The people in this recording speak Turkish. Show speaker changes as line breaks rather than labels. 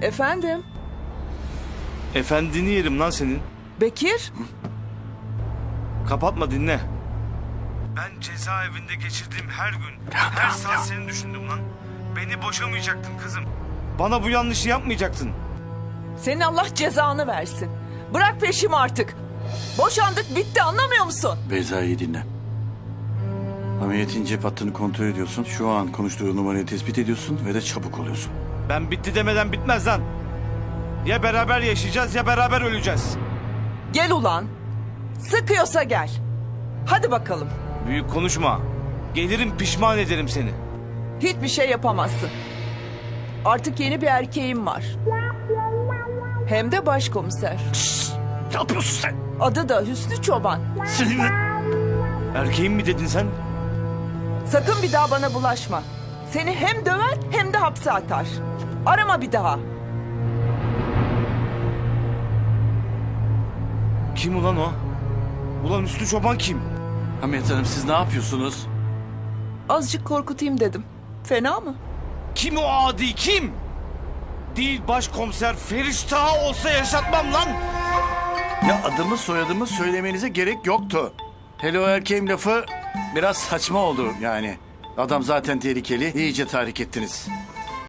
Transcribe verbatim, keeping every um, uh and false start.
Efendim?
Efendini yerim lan senin.
Bekir?
Kapatma, dinle. Ben cezaevinde geçirdiğim her gün, her saat seni düşündüm lan. Beni boşamayacaktın kızım. Bana bu yanlışı yapmayacaktın.
Senin Allah cezanı versin. Bırak peşimi artık. Boşandık, bitti, anlamıyor musun?
Beyza, iyi dinle. Hamiyet'in cep hattını kontrol ediyorsun. Şu an konuştuğu numarayı tespit ediyorsun ve de çabuk oluyorsun.
Ben bitti demeden bitmez lan. Ya beraber yaşayacağız ya beraber öleceğiz.
Gel ulan. Sıkıyorsa gel. Hadi bakalım.
Büyük konuşma. Gelirim, pişman ederim seni.
Hiçbir şey yapamazsın. Artık yeni bir erkeğim var. Hem de başkomiser.
Ne yapıyorsun sen?
Adı da Hüsnü Çoban.
Seninle...
Erkeğim mi dedin sen?
Sakın bir daha bana bulaşma. Seni hem döver hem de hapse atar. Arama bir daha.
Kim ulan o? Ulan Üstü Çoban kim?
Hamiyet Hanım, siz ne yapıyorsunuz?
Azıcık korkutayım dedim. Fena mı?
Kim o adi, kim? Değil başkomiser Feriştah olsa yaşatmam lan.
Ya adımı soyadımı söylemenize gerek yoktu. Hele o erkeğim lafı biraz saçma oldu yani. Adam zaten tehlikeli, iyice tahrik ettiniz.